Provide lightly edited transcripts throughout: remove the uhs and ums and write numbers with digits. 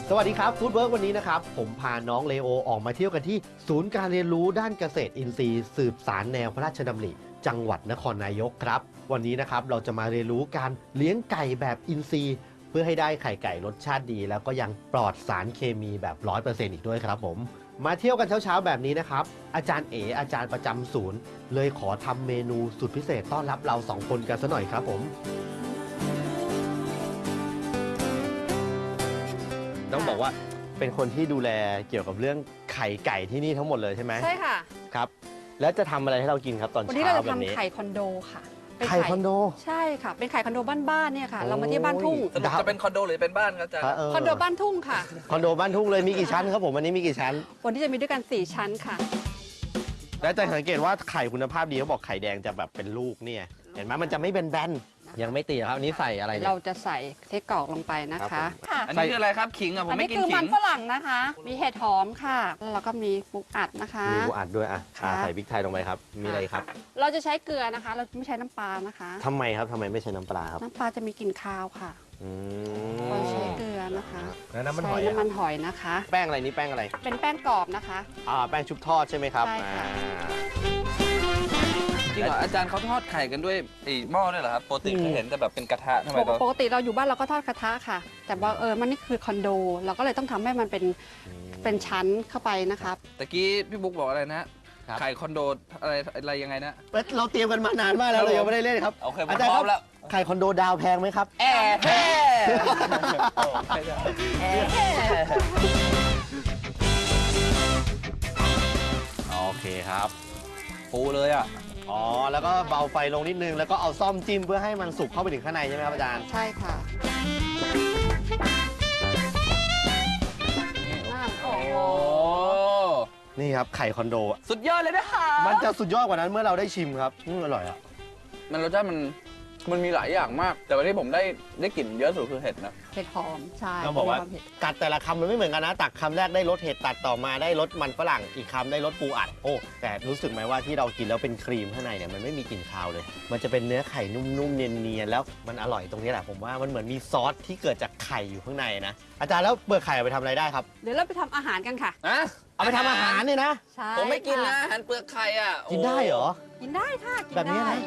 สวัสดีครับฟู้ดเวิร์กวันนี้นะครับผมพาน้องเลโอออกมาเที่ยวกันที่ศูนย์การเรียนรู้ด้านเกษตรอินทรีย์สืบสารแนวพระราชดำริจังหวัดนครนายกครับวันนี้นะครับเราจะมาเรียนรู้การเลี้ยงไก่แบบอินทรีย์เพื่อให้ได้ไข่ไก่รสชาติดีแล้วก็ยังปลอดสารเคมีแบบ 100% อีกด้วยครับผมมาเที่ยวกันเช้าๆแบบนี้นะครับอาจารย์เอ๋อาจารย์ประจำศูนย์เลยขอทำเมนูสุดพิเศษต้อนรับเรา2 คนกันซะหน่อยครับผมต้องบอกว่าเป็นคนที่ดูแลเกี่ยวกับเรื่องไข่ไก่ที่นี่ทั้งหมดเลยใช่ไหมใช่ค่ะครับแล้วจะทำอะไรให้เรากินครับตอนเช้าแบบนี้วันนี้เราจะทำไข่คอนโดค่ะไข่คอนโดใช่ค่ะเป็นไข่คอนโดบ้านๆเนี่ยค่ะเรามาที่บ้านทุ่งจะเป็นคอนโดหรือเป็นบ้านครับอาจารย์คอนโดบ้านทุ่งค่ะคอนโดบ้านทุ่งเลยมีกี่ชั้นครับผมวันนี้มีกี่ชั้นวันนี้จะมีด้วยกัน4ชั้นค่ะแล้วจะสังเกตว่าไข่คุณภาพดีเขาบอกไข่แดงจะแบบเป็นลูกเนี่ยเห็นไหมมันจะไม่เป็นแบนยังไม่ตีครับอันนี้ใส่อะไรเราจะใส่เทกรอกลงไปนะคะอันนี้คืออะไรครับขิงอ่ะผมไม่กินขิงอันนี้คือมันฝรั่งนะคะมีเห็ดหอมค่ะแล้วก็มีปูอัดนะคะมีปูอัดด้วยใส่พริกไทยลงไปครับมีอะไรครับเราจะใช้เกลือนะคะเราไม่ใช้น้ำปลานะคะทำไมครับทำไมไม่ใช้น้ำปลาครับน้ำปลาจะมีกลิ่นคาวค่ะเราใช้เกลือนะคะแล้วน้ำมันหอยนะคะแป้งอะไรนี่แป้งอะไรเป็นแป้งกรอบนะคะแป้งชุบทอดใช่ไหมครับใช่ค่ะจริงเหรออาจารย์เขาทอดไข่กันด้วยหม้อด้วยเหรอครับปกติเห็นแต่แบบเป็นกระทะทำไมปกติเราอยู่บ้านเราก็ทอดกระทะค่ะแต่ว่ามันนี่คือคอนโดเราก็เลยต้องทำให้มันเป็นชั้นเข้าไปนะครับตะกี้พี่บุ๊กบอกอะไรนะไข่คอนโดอะไรยังไงนะเราเตรียมกันมานานมากแล้วเรายังไม่ได้เล่นครับโอเคผมพร้อมแล้วไข่คอนโดดาวแพงไหมครับโอเคครับปูเลยอ่ะแล้วก็เบาไฟลงนิดนึงแล้วก็เอาซ่อมจิ้มเพื่อให้มันสุกเข้าไปถึงข้างในใช่ไหมครับอาจารย์ใช่ค่ะโอ้โหนี่ครับไข่คอนโดสุดยอดเลยนะคะมันจะสุดยอดกว่านั้นเมื่อเราได้ชิมครับอร่อยอ่ะมันรสชาติมันมีหลายอย่างมากแต่วันที่ผมได้กลิ่นเยอะสุดคือเห็ดนะเห็ดหอมใช่ต้องบอกว่ากัดแต่ละคำมันไม่เหมือนกันนะตักคำแรกได้รสเห็ดตัดต่อมาได้รสมันฝรั่งอีกคำได้รสปูอัดแต่รู้สึกไหมว่าที่เรากินแล้วเป็นครีมข้างในเนี่ยมันไม่มีกลิ่นคาวเลยมันจะเป็นเนื้อไข่นุ่มๆเนียนๆแล้วมันอร่อยตรงนี้แหละผมว่ามันเหมือนมีซอสที่เกิดจากไข่อยู่ข้างในนะอาจารย์แล้วเปลือกไข่เอาไปทำอะไรได้ครับเดี๋ยวเราไปทำอาหารกันค่ะเอาไปทำอาหารเนี่ยนะใช่ผมไม่กินนะอาหารเปลือกไข่อ่ะกินได้เหรอกินได้ค่ะแบบนี้นะ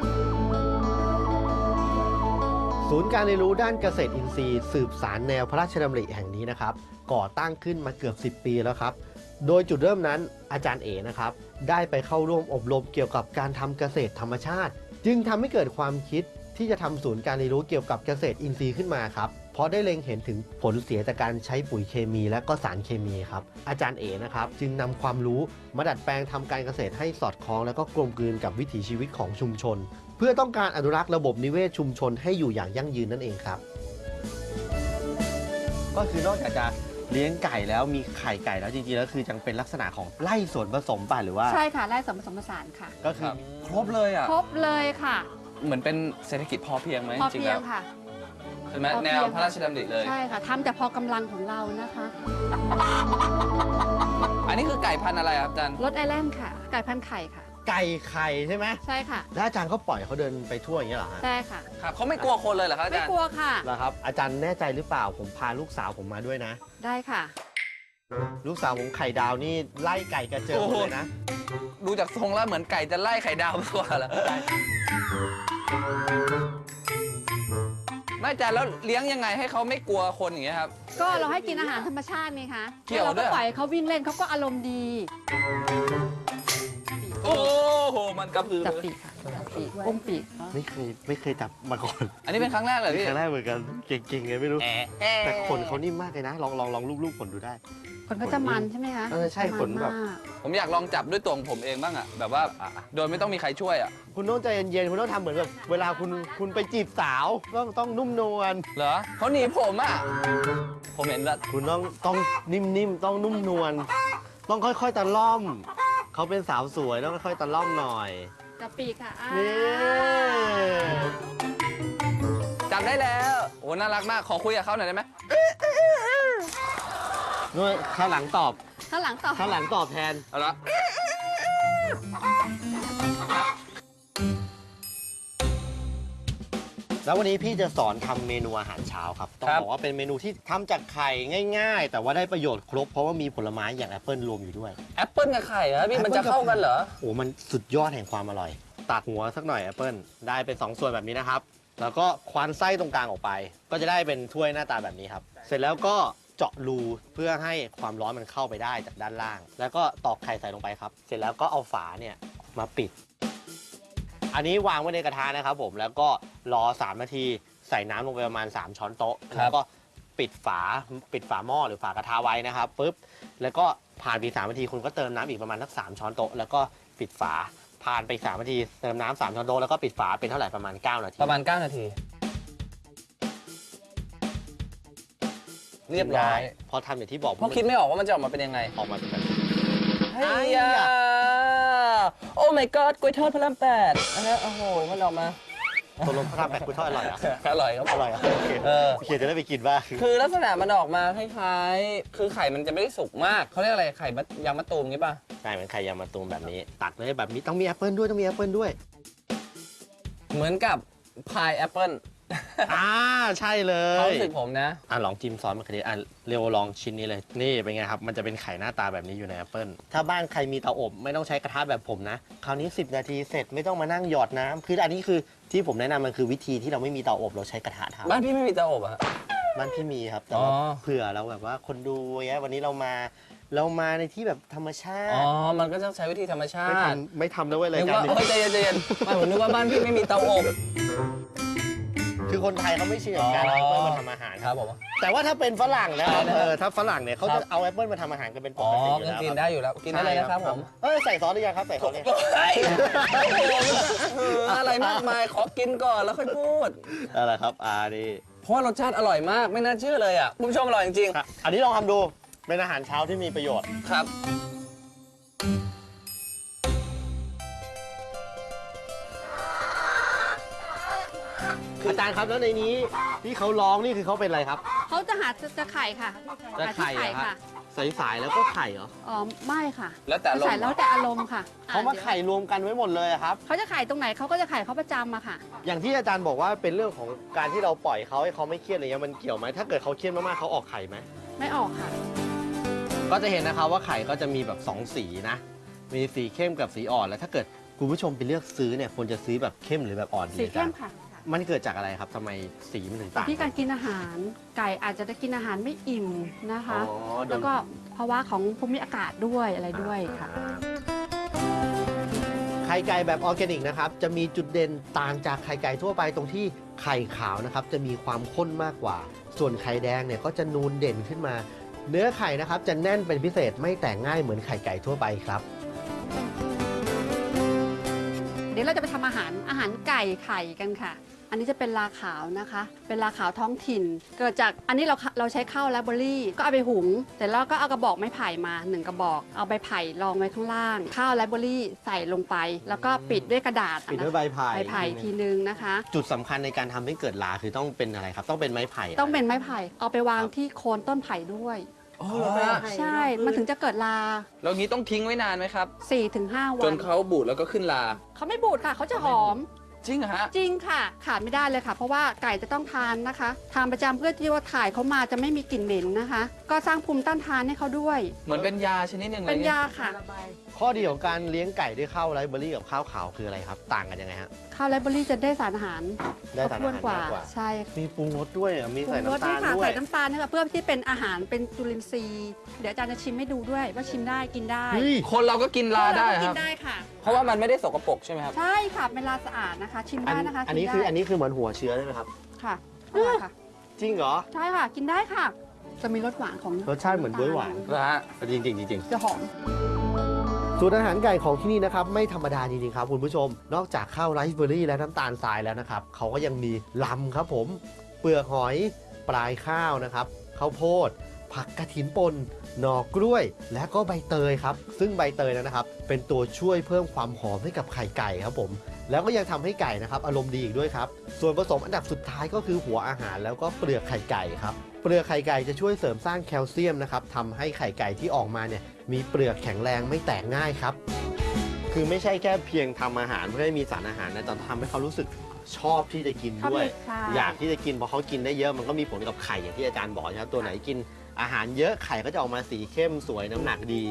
ศูนย์การเรียนรู้ด้านเกษตรอินทรีย์สืบสารแนวพระราชดำริแห่งนี้นะครับก่อตั้งขึ้นมาเกือบ10 ปีแล้วครับโดยจุดเริ่มนั้นอาจารย์เอ๋นะครับได้ไปเข้าร่วมอบรมเกี่ยวกับการทำเกษตรธรรมชาติจึงทำให้เกิดความคิดที่จะทำศูนย์การเรียนรู้เกี่ยวกับเกษตรอินทรีย์ขึ้นมาครับเพราะได้เล็งเห็นถึงผลเสียจากการใช้ปุ๋ยเคมีและก็สารเคมีครับอาจารย์เอ๋นะครับจึงนำความรู้มาดัดแปลงทำการเกษตรให้สอดคล้องและก็กลมกลืนกับวิถีชีวิตของชุมชนเพื่อต้องการอนุรักษ์ระบบนิเวศชุมชนให้อยู่อย่างยั่งยืนนั่นเองครับก็คือนอกจากจะเลี้ยงไก่แล้วมีไข่ไก่แล้วจริงๆแล้วคือจังเป็นลักษณะของไร่สวนผสมป่ะหรือว่าใช่ค่ะไร่สวนผสมผสานค่ะก็คือครบเลยอ่ะครบเลยค่ะเหมือนเป็นเศรษฐกิจพอเพียงไหมพอเพียงค่ะใช่ไหมแนวพระราชดำริเลยใช่ค่ะทำแต่พอกำลังของเรานะคะอันนี้คือไก่พันธุ์อะไรครับอาจารย์รสไอแลนด์ค่ะไก่พันธุ์ไข่ค่ะไก่ไข่ใช่ไหมใช่ค่ะแล้วอาจารย์เขาปล่อยเขาเดินไปทั่วอย่างนี้เหรอฮะใช่ค่ะครับเขาไม่กลัวคนเลยเหรอครับอาจารย์ไม่กลัวค่ะเหรอครับอาจารย์แน่ใจหรือเปล่าผมพาลูกสาวผมมาด้วยนะได้ค่ะลูกสาวผมไข่ดาวนี่ไล่ไก่กระเจิงเลยนะดูจากทรงแล้วเหมือนไก่จะไล่ไข่ดาวมากกว่าแล้วไม่อาจารย์แล้วเลี้ยงยังไงให้เขาไม่กลัวคนอย่างเงี้ยครับก็เราให้กินอาหารธรรมชาติไงคะเกี่ยวด้วยเราก็ปล่อยเขาวิ่งเล่นเขาก็อารมณ์ดีโอ้โหมันกระพือจับปีกค่ะจับปีกอุ้มปีกไม่เคยจับมาก่อนอันนี้เป็นครั้งแรกเลยพี่ครั้งแรกเหมือนกันเก่งๆไงไม่รู้แต่ขนเขานิ่มมากเลยนะลองลูบๆขนดูได้ขนเขาจะมันใช่ไหมคะใช่ขนแบบผมอยากลองจับด้วยตัวของผมเองบ้างอะแบบว่าโดยไม่ต้องมีใครช่วยอะคุณต้องใจเย็นๆคุณต้องทำเหมือนแบบเวลาคุณไปจีบสาวต้องนุ่มนวลเหรอเขาหนีผมอะผมเห็นแล้วคุณต้องนิ่มๆต้องนุ่มนวลต้องค่อยๆตะล่อมเขาเป็นสาวสวยต้องค่อยๆตะล่อมหน่อยจับปีกค่ะจับได้แล้วโอ้น่ารักมากขอคุยกับเขาหน่อยได้ไหมนู่นข้างหลังตอบข้างหลังตอบแทนเอาละแล้ววันนี้พี่จะสอนทำเมนูอาหารเช้าครับต้องบอกว่าเป็นเมนูที่ทำจากไข่ง่าย ๆ แต่ว่าได้ประโยชน์ครบเพราะว่ามีผลไม้อย่างแอปเปิลรวมอยู่ด้วยแอปเปิลกับไข่เหรอพี่มันจะเข้ากันเหรอโอ้มันสุดยอดแห่งความอร่อย ตัดหัวสักหน่อยแอปเปิลได้เป็น2ส่วนแบบนี้นะครับแล้วก็ควานไส้ตรงกลางออกไป ก็จะได้เป็นถ้วยหน้าตาแบบนี้ครับเสร็จแล้วก็เจาะรูเพื่อให้ความร้อนมันเข้าไปได้จากด้านล่าง แล้วก็ตอกไข่ใส่ลงไปครับเสร็จแล้วก็เอาฝาเนี่ยมาปิด อันนี้วางไว้ในกระทะนะครับผมแล้วก็รอ3นาทีใส่น้ำลงไปประมาณ3ช้อนโต๊ะแล้วก็ปิดฝาหม้อหรือฝากระทะไว้นะครับปุ๊บแล้วก็ผ่านไป3นาทีคุณก็เติมน้ำอีกประมาณสัก3ช้อนโต๊ะแล้วก็ปิดฝาผ่านไป3นาทีเติมน้ำ3ช้อนโต๊ะแล้วก็ปิดฝาเป็นเท่าไหร่ประมาณ9นาทีประมาณ9นาทีเรียบร้อยพอทำอย่างที่บอกเพราะคิดไม่ออกว่ามันจะออกมาเป็นยังไงออกมาเป็นแบบนี้เฮ้ยโอ้ my god กล้วยทอดพระราม8นะฮะโอ้โหมันออกมาตัวลมพระราม8คุณทอดอร่อยอ่ะอร่อยครับอร่อยอ่ะโอเค โอเคจะได้ไปกินบ้างคือลักษณะมันออกมาคล้ายๆคือไข่มันจะไม่ได้สุกมากเขาเรียกอะไรไข่ยางมะตูมงี้ป่ะใช่เหมือนไข่ยางมะตูมแบบนี้ ตัดเลยแบบนี้ต้องมีแอปเปิลด้วยต้องมีแอปเปิลด้วยเหมือนกับพายแอปเปิลใช่เลความยรู้สึกผมนะลองจิ้มซอสมะเขือเทศเร็วลองชิ้นนี้เลยนี่เป็นไงครับมันจะเป็นไข่หน้าตาแบบนี้อยู่ในแอปเปิลถ้าบ้านใครมีเตาอบไม่ต้องใช้กระทะแบบผมนะคราวนี้10นาทีเสร็จไม่ต้องมานั่งหยอดน้ำคืออันนี้คือที่ผมแนะนำมันคือวิธีที่เราไม่มีเตาอบเราใช้กระทะทำบ้านพี่ไม่มีเตาอบอะบ้านพี่มีครับแต่ว่าอ๋อเผื่อเราแบบว่าคนดูเงี้ยวันนี้เรามาในที่แบบธรรมชาอ๋อติมันก็จะใช้วิธีธรรมชาไม่ติทำไม่ทำแล้วเว้ยรายนึกการว่านี้เฮ้ยใจเย็นๆไม่ผมนึกว่าบ้านพี่ไม่มีเตาอบคือคนไทยเขาไม่ชินกับการเอาแอปเปิลมาทำอาหารครับผมแต่ว่าถ้าเป็นฝรั่งนะครับอะไรนะครับถ้าฝรั่งเนี่ยเขาครัจะบเอาแอปเปิลมาทำอาหารกันเป็นปอ๋อกติอยู่แล้วกินครับได้อยู่แล้วกินได้เลยนะครับผมใส่ซอสหรือยังครับใส่ซอสหรือยังเฮ้ยอะไรมากมายขอกินก่อนแล้วค่อยพูดอะไรครับนี่เพราะว่ารสชาติอร่อยมากไม่น่าเชื่อเลยอ่ะคุณผู้ชมอร่อยจริงครับอันนี้ลองทำดูเป็นอาหารเช้าที่มีประโยชน์ๆครับอาจารย์ครับแล้วในนี้ที่เขาร้องนี่คือเขาเป็นอะไรครับเขาจะหาจะไข่ค่ะจะหาไข่ที่เหรอครับค่ะใสๆแล้วก็ไข่เหรออ๋อไม่ค่ะแล้วแต่ลมใส่แล้วแต่อารมณ์ค่ะเขามาไข่รวมกันไว้หมดเลยอะครับเขาจะไข่ตรงไหนเขาก็จะไข่เขาประจำอะค่ะอย่างที่อาจารย์บอกว่าเป็นเรื่องของการที่เราปล่อยเขาให้เขาไม่เครียดอะไรเงี้ยมันเกี่ยวไหมถ้าเกิดเขาเครียดมากๆเขาออกไข่ไหมไม่ออกค่ะก็จะเห็นนะครับว่าไข่ก็จะมีแบบ2สีนะมีสีเข้มกับสีอ่อนแล้วถ้าเกิดคุณผู้ชมไปเลือกซื้อเนี่ยควรจะซื้อแบบเข้มหรือแบบอ่อนดีสีเข้มอาจารย์ค่ะมันเกิดจากอะไรครับทำไมสีมันถึงต่างที่การกินอาหารไก่อาจจะได้กินอาหารไม่อิ่มนะคะอ๋อโดนแล้วก็ภาวะของภูมิอากาศด้วยอะไรด้วยค่ะไข่ไก่แบบออร์แกนิกนะครับจะมีจุดเด่นต่างจากไข่ไก่ทั่วไปตรงที่ไข่ขาวนะครับจะมีความข้นมากกว่า ส่วนไข่แดงเนี่ยก็จะนูนเด่นขึ้นมา เนื้อไข่นะครับจะแน่นเป็นพิเศษไม่แตกง่ายเหมือนไข่ไก่ทั่วไปครับเดี๋ยวเราจะไปทำอาหารไก่ไข่กันค่ะ อันนี้จะเป็นลาขาวนะคะ เป็นลาขาวท้องถิ่น เกิดจากอันนี้เราใช้ข้าวแลบเบอรี่ ก็เอาไปหุงแต่แล้วก็เอากระบอกไม้ไผ่มา1กระบอก เอาใบไผ่รองไว้ข้างล่าง ข้าวแลบเบอรี่ใส่ลงไป แล้วก็ปิดด้วยกระดาษปิดด้วยใบไผ่ใบไผ่ทีนึงนะคะจุดสำคัญในการทำให้เกิดลาคือต้องเป็นอะไรครับ ต้องเป็นไม้ไผ่ต้องเป็นไม้ไผ่ เอาไปวางที่โคนต้นไผ่ด้วยอ๋อเหรอฮะใช่ มันถึงจะเกิดลาแล้วงี้ต้องทิ้งไว้นานไหมครับ 4-5 วัจนนเขาบูดแล้วก็ขึ้นลาเขาไม่บูดค่ะ เขาจะหอมจริงเหรอฮะจริงค่ะ ขาดไม่ได้เลยค่ะ เพราะว่าไก่จะต้องทานนะคะ ทานประจำเพื่อที่ว่าถ่ายเขามาจะไม่มีกลิ่นเหม็นนะคะ ก็สร้างภูมิต้านทานให้เขาด้วยเหมือนเป็นยาชนิดหนึ่งเลยเป็นยาค่ะข้อดีของการเลี้ยงไก่ด้วยข้าวไรซ์เบอรี่กับข้าวขาวคืออะไรครับ ต่างกันยังไงฮะข้าวไรซ์เบอรี่จะได้สารอาหารได้สารอาหารคบถ้วนกว่ามากกว่าใช่มีปรุงรสด้วยอ่ะมีใส่ปรุงรสน้ำตาลค่ะด้วยใส่น้ำตาลนะคะเพื่อที่เป็นอาหารเป็นจุลินทรีย์ เดี๋ยวอาจารย์จะชิมให้ดูด้วยว่าชิมได้กินได้เฮ้ยคนเราก็กินลาได้เออคกิรับนได้ค่ะเพราะว่ามันไม่ได้สกปรกใช่ไหมครับใช่ค่ะเป็นลาสะอาดนะคะ ชิมได้นะคะอันนี้ชิมคือได้อันนี้คือเหมือนหัวเชื้อใช่ไหมครับค่ะอร่อยค่ะจริงเหรอใช่ค่ะ กินได้ค่ะ จะมีรสหวานของรสชาติเหมือนบ๊วยหวานนะฮะจริงจริงจริงจะหอมสูตรอาหารไก่ของที่นี่นะครับไม่ธรรมดาจริงๆครับคุณผู้ชม นอกจากข้าวไรซ์เบอรี่และน้ำตาลทรายแล้วนะครับเขาก็ยังมีลำครับผมเปลือกหอยปลายข้าวนะครับข้าวโพด ผักกระถินป่นหน่อกล้วย และก็ใบเตยครับซึ่งใบเตยนะครับเป็นตัวช่วยเพิ่มความหอมให้กับไข่ไก่ครับผมแล้วก็ยังทำให้ไก่นะครับอารมณ์ดีอีกด้วยครับส่วนผสมอันดับสุดท้ายก็คือหัวอาหารแล้วก็เปลือกไข่ไก่ครับเปลือกไข่ไก่จะช่วยเสริมสร้างแคลเซียมนะครับทำให้ไข่ไก่ที่ออกมาเนี่ยมีเปลือกแข็งแรงไม่แตกง่ายครับคือไม่ใช่แค่เพียงทำอาหารเพื่อให้มีสารอาหารนะแต่ทำให้เขารู้สึกชอบที่จะกินชอบด้วยใช่อยากที่จะกินเพราะเขากินได้เยอะมันก็มีผลกับไข่อย่างที่อาจารย์บอกนะครับตัวไหนกินอาหารเยอะไข่ก็จะออกมาสีเข้มสวยน้ำหนักดี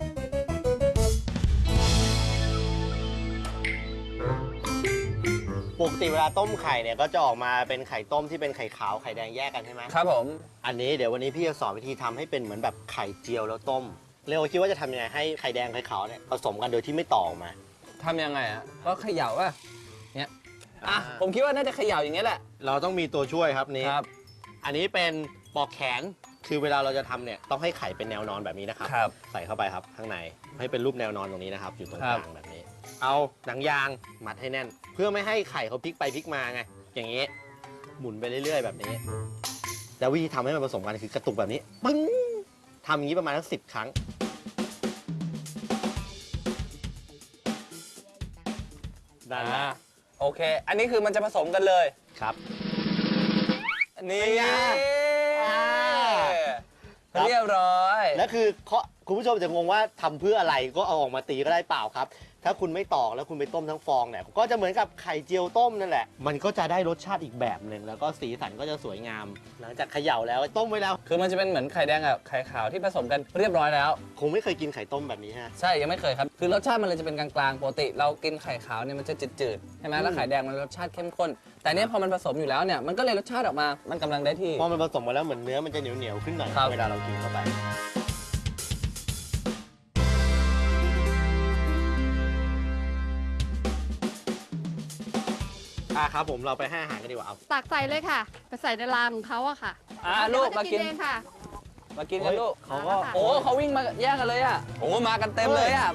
ปกติเวลาต้มไข่เนี่ยก็จะออกมาเป็นไข่ต้มที่เป็นไข่ขาวไข่แดงแยกกันใช่ไหมครับผมอันนี้เดี๋ยววันนี้พี่จะสอนวิธีทำให้เป็นเหมือนแบบไข่เจียวแล้วต้มเร็วคิดว่าจะทำยังไงให้ไข่แดงไข่ขาวเนี่ยผสมกันโดยที่ไม่ต่อออกมาทำยังไงอ่ะก็เขย่าป่ะเนี่ยอ่ะผมคิดว่าน่าจะเขย่าอย่างเงี้ยแหละเราต้องมีตัวช่วยครับนี่ครับอันนี้เป็นปอกแขนคือเวลาเราจะทำเนี่ยต้องให้ไข่เป็นแนวนอนแบบนี้นะครับครับใส่เข้าไปครับข้างในให้เป็นรูปแนวนอนตรงนี้นะครับ อยู่ตรงครักบลางแบบนี้ เอาหนังยางมัดให้แน่น เพื่อไม่ให้ไข่เขาพลิกไปพลิกมาไงอย่างนี้ หมุนไปเรื่อยๆ แบบนี้แล้ววิธีทำให้มันผสมกันคือกระตุกแบบนี้ปึ้งทำอย่างนี้ประมาณสัก10 ครั้งได้ไหมโอเค อันนี้คือมันจะผสมกันเลยครับนี่เป็นไงครับเรียบร้อยแล้วคือคุณผู้ชมจะงงว่าทำเพื่ออะไรก็เอาออกมาตีก็ได้เปล่าครับ ถ้าคุณไม่ตอกแล้วคุณไปต้มทั้งฟองเนี่ยก็จะเหมือนกับไข่เจียวต้มนั่นแหละ มันก็จะได้รสชาติอีกแบบหนึ่งแล้วก็สีสันก็จะสวยงาม หลังจากเขย่าแล้วต้มไว้แล้วคือมันจะเป็นเหมือนไข่แดงกับไข่ขาวที่ผสมกันเรียบร้อยแล้วคงไม่เคยกินไข่ต้มแบบนี้ฮะใช่ยังไม่เคยครับ คือรสชาติมันเลยจะเป็นกลางๆปกติ เรากินไข่ขาวเนี่ยมันจะจืดๆใช่ไหมแล้วไข่แดงมันรสชาติเข้มข้น แต่เนี้ยพอมันผสมอยู่แล้วเนี่ยมันก็เลยรสชาติออกมา มันกำลังได้ที่พอมันผสมมาแล้วเหมือนเนื้อมันจะเหนียวๆขึ้นหน่อยครับเวลาเรากินเข้าไปครับผมเราไปให้อาหารกันดีกว่าเอาตักใส่เลยค่ะ ไปใส่ในรางของเขาอะค่ะลูกเดี๋ยวมาเขจะกินเองค่ะมากินกันลูกเขาก็โอ้เขาวิ่งมาแย่งกันเลยอ่ะโอ้มากันเต็มเลยอ่ะ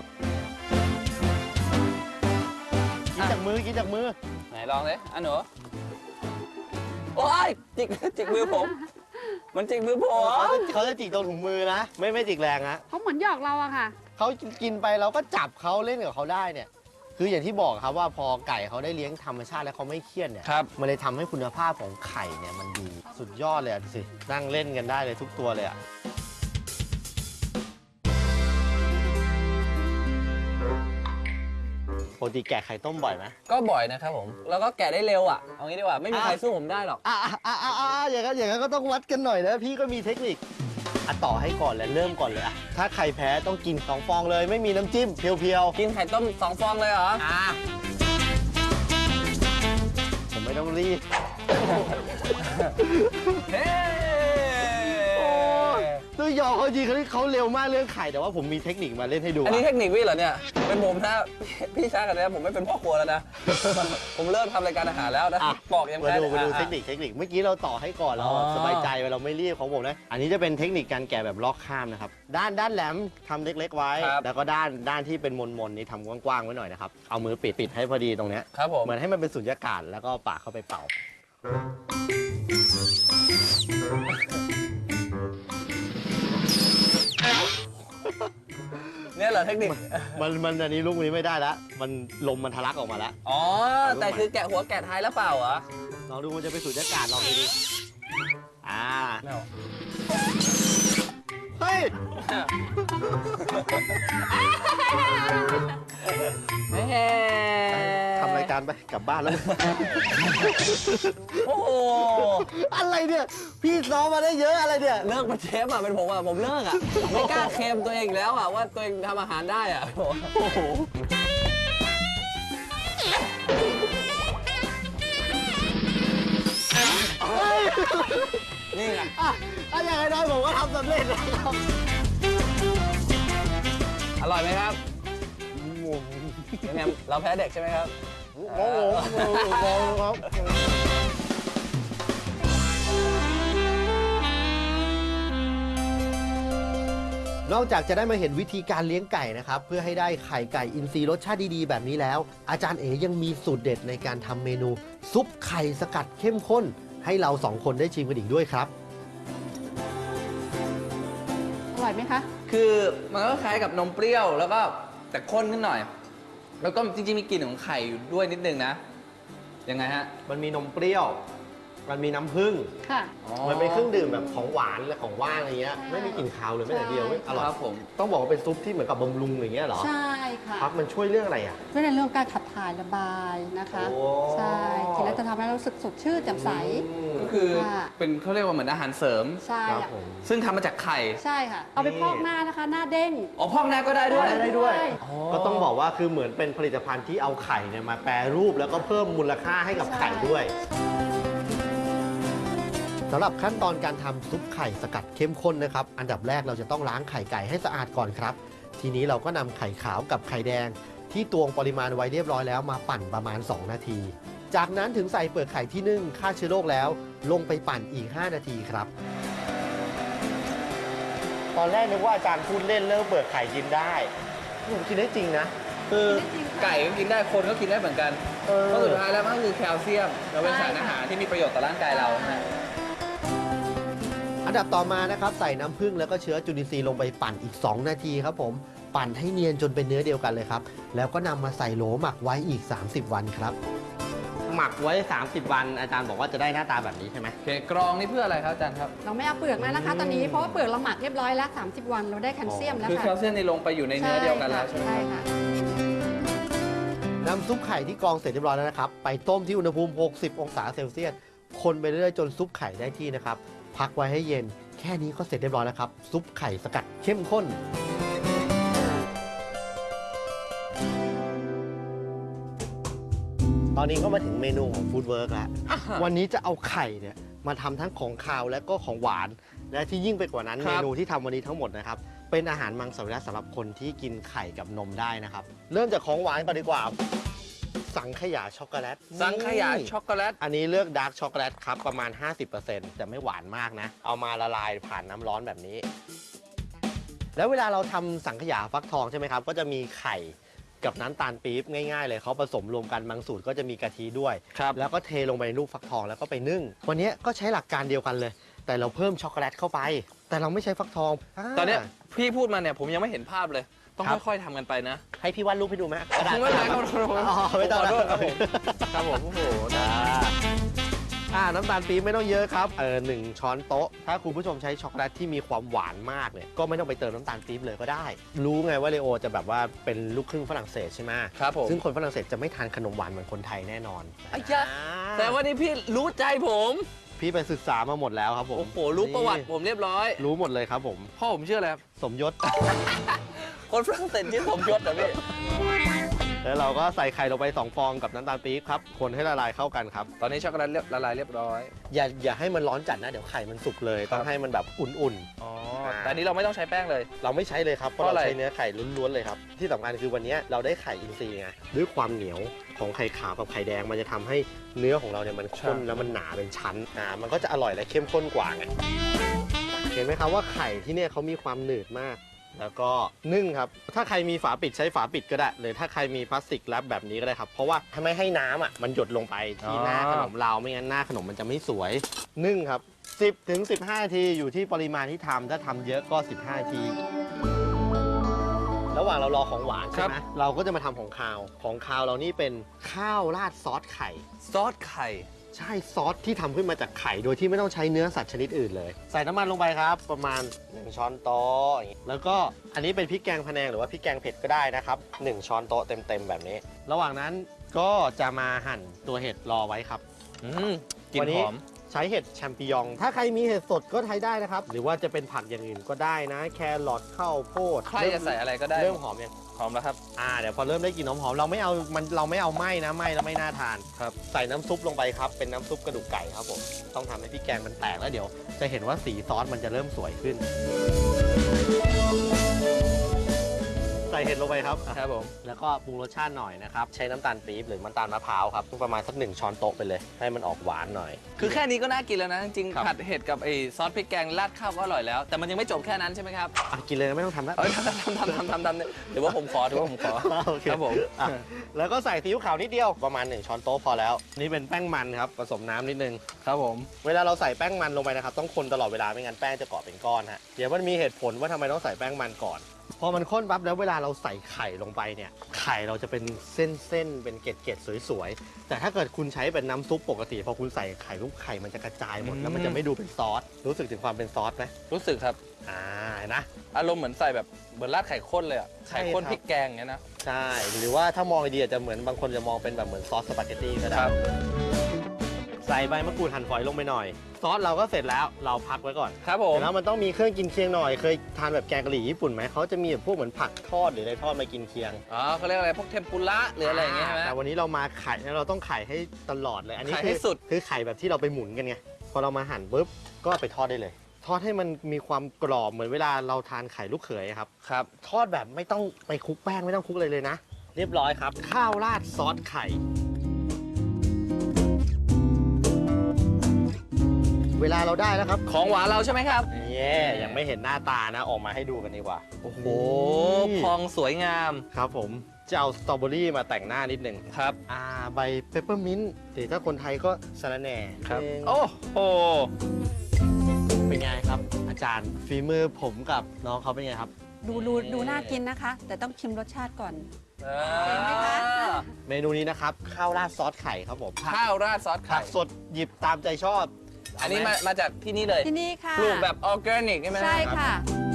กินจากมือกินจากมือไหนลองเลยอ่ะหนูโอ้ยจิกมือผม มันจิกมือผมเขาจะจิกตรงถุงมือนะไม่จิกแรงนะเขาเหมือนหยอกเราอะค่ะเขากินไปเราก็จับเขาเล่นกับเขาได้เนี่ย คืออย่างที่บอกครับว่าพอไก่เขาได้เลี้ยงธรรมชาติแล้วเขาไม่เครียดเนี่ยครับมันเลยทำให้คุณภาพของไข่เนี่ยมันดีสุดยอดเลยอ่ะดูสินั่งเล่นกันได้เลยทุกตัวเลยอ่ะปกติแกะไข่ต้มบ่อยไหมก็บ่อยนะครับผม แล้วก็แกะได้เร็วอ่ะ เอางี้ดีกว่า ไม่มีใครสู้ผมได้หรอกอย่างนั้นก็ต้องวัดกันหน่อยนะพี่ก็มีเทคนิคต่อให้ก่อนเลยเริ่มก่อนเลยอะถ้าใครแพ้ต้องกิน2 ฟองเลยไม่มีน้ำจิ้มเพียวกินไข่ต้ม2 ฟองเลยเหรอผมไม่ต้องรีบเฮ้ตัวหยอกเขาจริงเขาเร็วมากเรื่องไข่แต่ว่าผมมีเทคนิคมาเล่นให้ดูอันนี้อะเทคนิคพี่เหรอเนี่ย เป็นผมถ้าพี่ช้ากันนะผมไม่เป็นพ่อครัวแล้วนะ ผมเลิกทำรายการอาหารแล้วนะอ่ะบอกยังมาแพ้ดูเลยมาดูอ่ะเทคนิคเมื่อกี้เราต่อให้ก่อนเราอ๋อสบายใจเราไม่รีบของผมนะอันนี้จะเป็นเทคนิคการแกะแบบลอกข้ามนะครับด้านแหลมทำเล็ก ๆ ไว้ แล้วก็ด้านที่เป็นมนนี่ทำกว้างๆไว้หน่อยนะครับเอามือปิดให้พอดีตรงเนี้ยครับผมเหมือนให้มันเป็นสุญญากาศแล้วก็ปากเข้าไปเป่าเนี่ยเหรอเทคนิคมันอันนี้ลูกนี้ไม่ได้แล้วมันลมมันทะลักออกมาแล้วอ๋อ แต่คือแกะหัวแกะท้ายแล้วเปล่าเหรอลองดูมันจะเป็นสุญญากาศลองดูดิอ่าไม่เอาเฮ้ย ทำรายการไปกลับบ้านแล้วโอ้โหอะไรเนี่ย พี่ซ้อมมาได้เยอะอะไรเนี่ยเลิกมาเชฟอ่ะเป็นผมอ่ะผมเลิกอ่ะไม่กล้าเคลมตัวเองอีกแล้วอ่ะว่าตัวเองทำอาหารได้อ่ะโอ้โหนี่ไงถ้าอย่างน้อยผมก็ทำสำเร็จแล้วครับอร่อยไหมครับยังไงเราแพ้เด็กใช่ไหมครับโอ้โหครับ นอกจากจะได้มาเห็นวิธีการเลี้ยงไก่นะครับเพื่อให้ได้ไข่ไก่อินทรีย์รสชาติดีๆแบบนี้แล้ว อาจารย์เอ๋ยังมีสูตรเด็ดในการทำเมนูซุปไข่สกัดเข้มข้น ให้เรา2 คนได้ชิมกันอีกด้วยครับอร่อยไหมคะคือมันก็คล้ายกับนมเปรี้ยวแล้วก็แต่ข้นขึ้นหน่อย แล้วก็จริงๆมีกลิ่นของไข่อยู่ด้วยนิดนึงนะ ยังไงฮะมันมีนมเปรี้ยวมันมีน้ำผึ้งค่ะมันเป็นเครื่องดื่มแบบของหวานและของว่างอะไรเงี้ยใช่ไม่มีกลิ่นคาวเลยแม้แต่เดียวใช่เว้ยอร่อยครับผมต้องบอกว่าเป็นซุปที่เหมือนกับบำรุงอย่างเงี้ยเหรอใช่ค่ะครับมันช่วยเรื่องอะไรอ่ะช่วยในเรื่องการขับถ่ายระบายนะคะโอ้ใช่กินแล้วจะทำให้เรารู้สึกสดชื่นแจ่มใสก็คือค่ะเป็นเขาเรียกว่าเหมือนอาหารเสริมใช่ครับค่ะผมซึ่งทำมาจากไข่ใช่ค่ะ เอาไปพอกหน้านะคะ หน้าเด้งอ๋อพอกหน้าก็ได้ด้วยได้ด้วยใช่ก็ต้องบอกว่าคือเหมือนเป็นผลิตภัณฑ์ที่เอาไข่เนี่ยมาแปรรูปแล้วก็เพิ่มมูลค่าให้กับไข่ด้วยสำหรับขั้นตอนการทำซุปไข่สกัดเข้มข้นนะครับ อันดับแรกเราจะต้องล้างไข่ไก่ให้สะอาดก่อนครับ ทีนี้เราก็นำไข่ขาวกับไข่แดง ที่ตวงปริมาณไว้เรียบร้อยแล้วมาปั่นประมาณ 2 นาที จากนั้นถึงใส่เปลือกไข่ที่นึ่งฆ่าเชื้อโรคแล้ว ลงไปปั่นอีก 5 นาทีครับ ตอนแรกนึกว่าอาจารย์พูดเล่นเรื่องเปลือกไข่กินได้ผมกินได้จริงนะคือไก่ก็กินได้คนก็กินได้เหมือนกันเพราะสุดท้ายแล้วมันก็คือแคลเซียมเราเป็นสารอาหารที่มีประโยชน์ต่อร่างกายเรานะอันดับต่อมานะครับใส่น้ำผึ้งแล้วก็เชื้อจุลินทรีย์ลงไปปั่นอีก 2 นาทีครับผมปั่นให้เนียนจนเป็นเนื้อเดียวกันเลยครับ แล้วก็นำมาใส่โหลหมักไว้อีก 30 วันครับ หมักไว้ 30 วัน อาจารย์บอกว่าจะได้หน้าตาแบบนี้ใช่ไหมโอเคกรองนี่เพื่ออะไรครับอาจารย์ครับเราไม่เอาเปลือกแล้วนะคะ ตอนนี้เพราะว่าเปลือกเราหมักเรียบร้อยแล้ว 30 วันเราได้แคลเซียมแล้วคือแคค่ะลเซียมในลงไปอยู่ในเนื้อเดียวกันแล้วใช่ไหมใช่ครับค่ะน้ำซุปไข่ที่กรองเสร็จเรียบร้อยแล้วนะครับ ไปต้มที่อุณหภูมิ 60 องศาเซลเซียส คนไปเรื่อยๆจนซุปไข่ได้ที่นะครับ พักไว้ให้เย็น แค่นี้ก็เสร็จเรียบร้อยแล้วครับ ซุปไข่สกัดเข้มข้น ตอนนี้ก็มาถึงเมนูของฟู้ดเวิร์กแล้ว วันนี้จะเอาไข่เนี่ยมาทำทั้งของคาวและก็ของหวาน และที่ยิ่งไปกว่านั้นครัเมบนูที่ทำวันนี้ทั้งหมดนะครับ เป็นอาหารมังสวิรัติสำหรับคนที่กินไข่กับนมได้นะครับ เริ่มจากของหวานก่อนดีกว่า สังขยาช็อกโกแลตสังขยานี่ช็อกโกแลตอันนี้เลือกดาร์กช็อกโกแลตครับประมาณ 50%แต่ไม่หวานมากนะ เอามาละลายผ่านน้ำร้อนแบบนี้ แล้วเวลาเราทำสังขยาฟักทองใช่ไหมครับ ก็จะมีไข่กับน้ำตาลปี๊บง่ายๆเลยเขาผสมรวมกันบางสูตรก็จะมีกะทิด้วยครับแล้วก็เทลงไปในลูกฟักทองแล้วก็ไปนึ่ง วันนี้ก็ใช้หลักการเดียวกันเลย แต่เราเพิ่มช็อกโกแลตเข้าไป แต่เราไม่ใช้ฟักทองตอนเนี้ยพี่พูดมาเนี่ยผมยังไม่เห็นภาพเลย ต้องครับค่อยๆทำกันไปนะให้พี่วาดรูปให้ดูไหมกระดาษไม่เป็นไรครับอ๋อไม่ต้องขอโทษแล้วครับผมครับผมโอ้โหนะน้ำตาลปี๊บไม่ต้องเยอะครับหนึ่งช้อนโต๊ะ ถ้าคุณผู้ชมใช้ช็อกโกแลตที่มีความหวานมากเนี่ยก็ไม่ต้องไปเติมน้ำตาลปี๊บเลยก็ได้ รู้ไงว่าเลโอจะแบบว่าเป็นลูกครึ่งฝรั่งเศสใช่ไหมครับผมซึ่งคนฝรั่งเศสจะไม่ทานขนมหวานเหมือนคนไทยแน่นอนอ้ยะ แต่ว่านี่พี่รู้ใจผมพี่ไปศึกษามาหมดแล้วครับผมโอ้โหรู้ประวัติผมเรียบร้อยรู้หมดเลยครับผมพ่อผมชื่ออะไรครับสมยศคนฝรั่งเศสชื่อสมยศเหรอพี่แล้วเราก็ใส่ไข่ลงไป2 ฟองกับน้ำตาลปี๊บครับคนให้ละลายเข้ากันครับตอนนี้ช็อกโกแลตละลายเรียบร้อยอย่าให้มันร้อนจัดนะเดี๋ยวไข่มันสุกเลย ต้องให้มันแบบอุ่นอ๋อ แต่อันนี้เราไม่ต้องใช้แป้งเลยๆ เราไม่ใช้เลยครับเพราะเพราะอะไรเราใช้เนื้อไข่ล้วนๆเลยครับที่สำคัญคือวันนี้เราได้ไข่อินทรีย์ไงด้วยความเหนียวของไข่ขาวกับไข่แดงมันจะทำให้เนื้อของเราเนี่ยมันข้นแล้วมันหนาเป็นชั้นมันก็จะอร่อยและเข้มข้นกว่าไงเห็นไหมครับว่าไข่ที่เนี่ยเขามีความหนืดมาก แล้วก็นึ่งครับถ้าใครมีฝาปิดใช้ฝาปิดก็ได้หรือถ้าใครมีพลาสติกแรปแบบนี้ก็ได้ครับเพราะว่าทำให้น้ำมันหยดลงไปที่หน้าขนมเราไม่งั้นหน้าขนมมันจะไม่สวยนึ่งครับ10 ถึง 15 นาทีอยู่ที่ปริมาณที่ทำถ้าทำเยอะก็ 15 นาที ระหว่างเรารอของหวานใช่ไหมเราก็จะมาทำของคาวของคาวเรานี่เป็นข้าวราดซอสไข่ซอสไข่ใช่ซอสที่ทำขึ้นมาจากไข่โดยที่ไม่ต้องใช้เนื้อสัตว์ชนิดอื่นเลย ใส่น้ำมันลงไปครับ ประมาณ 1 ช้อนโต๊ะอย่างงี้แล้วก็อันนี้เป็นพริกแกงพะแนงหรือว่าพริกแกงเผ็ดก็ได้นะครับ1 ช้อนโต๊ะเต็มๆแบบนี้ ระหว่างนั้นก็จะมาหั่นตัวเห็ดรอไว้ครับกลิ่วัน นนี้หอมใช้เห็ดแชมปิญอง ถ้าใครมีเห็ดสดก็ใช้ได้นะครับ หรือว่าจะเป็นผักอย่างอื่นก็ได้นะ แครอทข้าวโพดใครจะใส่อะไรก็ได้เริ่มหอมยังหอมแล้วครับเดี๋ยวพอเริ่มได้กลิ่นหอมๆเราไม่เอาไหม้นะไหม้แล้วไม่น่าทานครับใส่น้ำซุปลงไปครับเป็นน้ำซุปกระดูกไก่ครับผมต้องทำให้พริกแกงมันแตกแล้วเดี๋ยวจะเห็นว่าสีซอสมันจะเริ่มสวยขึ้น ใส่เห็ดลงไปครับครับผมแล้วก็ปรุงรสชาติหน่อยนะครับใช้น้ำตาลปี๊บหรือน้ำตาลมะพร้าวครับประมาณสัก1 ช้อนโต๊ะไปเลย ให้มันออกหวานหน่อยคือแค่นี้ก็น่ากินแล้วนะ จริงครับๆผัดเห็ดกับไอ้ซอสพริกแกงราดข้าวก็อร่อยแล้ว แต่มันยังไม่จบแค่นั้นใช่ไหมครับกินเลยนะไม่ต้องทำแล้วเอ้ยทำเนี่ยเดี๋ยวว่าผมขอโอเคครับผมอ่ะแล้วก็ใส่ซีอิ๊วขาวนิดเดียวประมาณ1 ช้อนโต๊ะพอแล้ว นี่เป็นแป้งมันครับผสมน้ำนิดนึงครับผมเวลาเราใส่แป้งมันลงไปนะครับต้องคนตลอดเวลาไม่งั้นแป้งจะเกาะเป็นก้อนฮะเดี๋ยวมันมีเหตุผลว่าทำไมต้องใส่แป้งมันก่อนพอมันข้นปั๊บแล้วเวลาเราใส่ไข่ลงไปเนี่ยไข่เราจะเป็นเส้นๆเป็นเกล็ดๆสวยๆแต่ถ้าเกิดคุณใช้เป็นน้ำซุปปกติพอคุณใส่ไข่ลูกไข่มันจะกระจายหมดแล้วมันจะไม่ดูเป็นซอสรู้สึกถึงความเป็นซอสไหมรู้สึกครับเห็นนะอารมณ์เหมือนใส่แบบเหมือนราดไข่ข้นเลยอ่ะใช่ไข่ข้นครับพริกแกงเงี้ยนะใช่หรือว่าถ้ามองดีอาจจะเหมือนบางคนจะมองเป็นแบบเหมือนซอสสปาเกตตี้ก็ได้ครับใส่ใบมะกรูดหั่นฝอยลงไปหน่อย ซอสเราก็เสร็จแล้วเราพักไว้ก่อนครับผมแล้วมันต้องมีเครื่องกินเคียงหน่อยเคยทานแบบแกงกะหรี่ญี่ปุ่นไหมเขาจะมีแบบพวกเหมือนผักทอดหรืออะไรทอดมากินเคียงอ๋อเขาเรียกอะไรพวกเทมปุระหรืออะไรอย่างเงี้ยใช่ไหมแต่วันนี้เรามาไข่แล้วเราต้องไข่ให้ตลอดเลยอันนี้ไข่ให้สุดคือไข่แบบที่เราไปหมุนกันไงพอเรามาหั่นปุ๊บก็ไปทอดได้เลย ทอดให้มันมีความกรอบเหมือนเวลาเราทานไข่ลูกเขยครับครับทอดแบบไม่ต้องไปคลุกแป้งไม่ต้องคลุกอะไรเลยนะ เรียบร้อยครับ ข้าวราดซอสไข่ เวลาเราได้แล้วครับของหวานเราใช่ไหมครับยังไม่เห็นหน้าตานะออกมาให้ดูกันดีกว่าโอ้โหพองสวยงามครับผมจะเอาสตรอเบอรี่มาแต่งหน้านิดหนึ่งครับใบเปปเปอร์มินต์หรือถ้าคนไทยก็สะระแหน่ครับเองโอ้โหเป็นไงครับ อาจารย์ฝีมือผมกับน้องเขาเป็นไงครับดูน่ากินนะคะ แต่ต้องชิมรสชาติก่อนเห็นไหมคะเมนูนี้นะครับข้าวราดซอสไข่ครับผมข้าวราดซอสผัไข่กสดหยิบตามใจชอบอันนี้มาจากที่นี่เลยที่นี่ค่ะปลูกแบบออร์แกนิกใช่ไหมใช่ค่ะ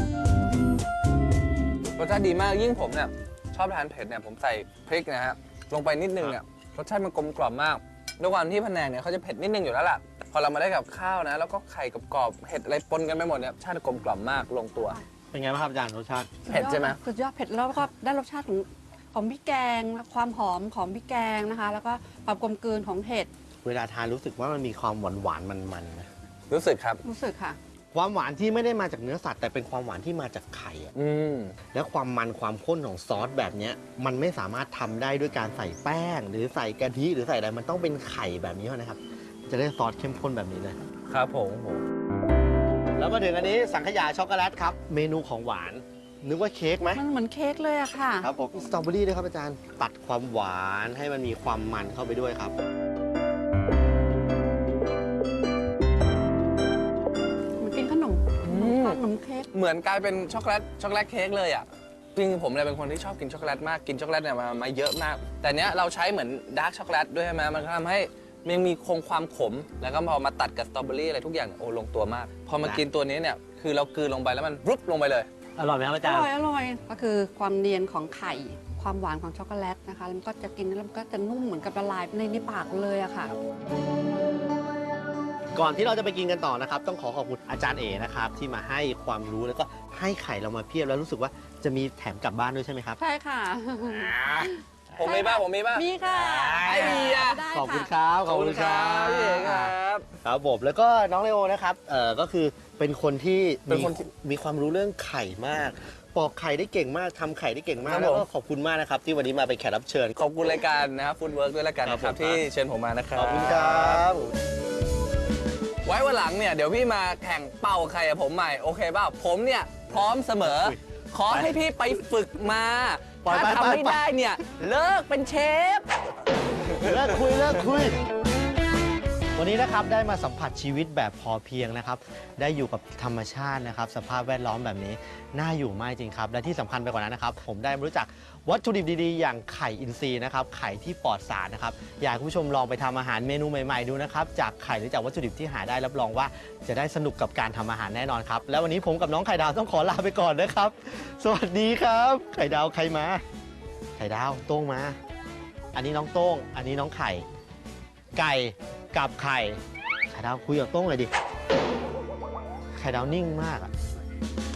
รสชาติดีมากยิ่งผมเนี่ยชอบทานเผ็ดเนี่ยผมใส่พริกนะฮะลงไปนิดนึงเนี่ยรสชาติมันกลมกล่อมมากด้วยความที่พะแนงเนี่ยเขาจะเผ็ดนิดนึงอยู่แล้วล่ะพอเรามาได้กับข้าวนะแล้วก็ไข่กรอบๆเห็ดอะไรปนกันไปหมดเนี่ยรสชาติกลมกล่อมมากลงตัวเป็นไงบ้างครับอาจารย์รสชาติเผ็ดใช่ไหมสุดยอดเผ็ดแล้วก็ได้รสชาติของพริกแกงความหอมของพริกแกงนะคะ แล้วก็ความกลมกลืนของเห็ดเวลาทานรู้สึกว่ามันมีความหวานมันๆนะรู้สึกครับรู้สึกค่ะความหวานที่ไม่ได้มาจากเนื้อสัตว์แต่เป็นความหวานที่มาจากไข่อะอืมและความมันความข้นของซอสแบบเนี้ยมันไม่สามารถทำได้ด้วยการใส่แป้ง หรือใส่กะทิหรือใส่อะไรมันต้องเป็นไข่แบบนี้เท่านั้นครับจะได้ซอสเข้มข้นแบบนี้เลยครับผมแล้วมาถึงอันนี้สังขยาช็อกโกแลตครับเมนูของหวานนึกว่าเค้กไหมมันเหมือนเค้กเลยอะค่ะครับผมสตรอเบอรี่ด้วยครับอาจารย์ตัดความหวานให้มันมีความมันเข้าไปด้วยครับเหมือนกินขนมขนมเค้กเหมือนกลายเป็นช็อกโกแลตเค้กเลยอ่ะจริงๆผมเนี่ยเป็นคนที่ชอบกินช็อกโกแลตมากกินช็อกโกแลตเนี่ยมาเยอะมาก แต่เนี้ยเราใช้เหมือนดาร์กช็อกโกแลตด้วยใช่ไหมมันก็ทำให้มันยังมีคงความขม แล้วก็พอมาตัดกับสตรอเบอรี่อะไรทุกอย่างเนี่ยโอ้ลงตัวมาก พอมากินตัวนี้เนี่ยคือเรากลืนลงไปแล้วมันรุบลงไปเลยอร่อยไหมครับอาอจารย์ร่อยอร่อยก็คือความเนียนของไข่ ความหวานของช็อกโกแลตนะคะแล้วมันก็จะกินแล้วมันก็จะนุ่มเหมือนกับละลายในปากเลยอะค่ะก่อนที่เราจะไปกินกันต่อนะครับต้องขอบคุณอาจารย์เอนะครับที่มาให้ความรู้แล้วก็ให้ไข่เรามาเพียบแล้วรู้สึกว่าจะมีแถมกลับบ้านด้วยใช่ไหมครับใช่ค่ะผมมีบ้างมีค่ะไอ้เหี้ยได้ขอบคุณค่ะครับขอบคุณครับพี่เอกครับครับผมแล้วก็น้องเลโอนะครับก็คือเป็นคนที่เป็นคนที่มีความรู้เรื่องไข่มากปอกไข่ได้เก่งมากทำไข่ได้เก่งมาครักบแล้วก็ผมขอบคุณมากนะครับที่วันนี้มาเป็นแขกรับเชิญขอบคุณรายการนะครับฟู้ดเวิร์กด้วยแล้วกันนะคครัรับบ ผมที่เชิญผมมานะครับขอบคุณครับไว้วันหลังเนี่ยเดี๋ยวพี่มาแข่งเป่าไข่กับผมใหม่โอเคเปล่าผมเนี่ยพร้อมเสมอ ขอให้พี่ไปฝึกมาปล่อยถ้าไปทำไม่ไปได้เนี่ยเลิกเป็นเชฟเลิกคุย วันนี้นะครับได้มาสัมผัสชีวิตแบบพอเพียงนะครับ ได้อยู่กับธรรมชาตินะครับ สภาพแวดล้อมแบบนี้น่าอยู่มากจริงครับ และที่สำคัญไปกว่านั้นนะครับ ผมได้รู้จักวัตถุดิบดีๆ อย่างไข่อินทรีย์นะครับไข่ที่ปลอดสารนะครับอยากให้คุณผู้ชมลองไปทำอาหารเมนูใหม่ๆดูนะครับจากไข่หรือจากวัตถุดิบที่หาได้รับรองว่าจะได้สนุกกับการทำอาหารแน่นอนครับและวันนี้ผมกับน้องไข่ดาวต้องขอลาไปก่อนนะครับ สวัสดีครับ ไข่ดาวใครมา ไข่ดาวโต้งมา อันนี้น้องโต้งอันนี้น้องไข่ ไก่กับไข่ไข่ดาวคุยกับโต้งเลยดิไข่ดาวนิ่งมากอะ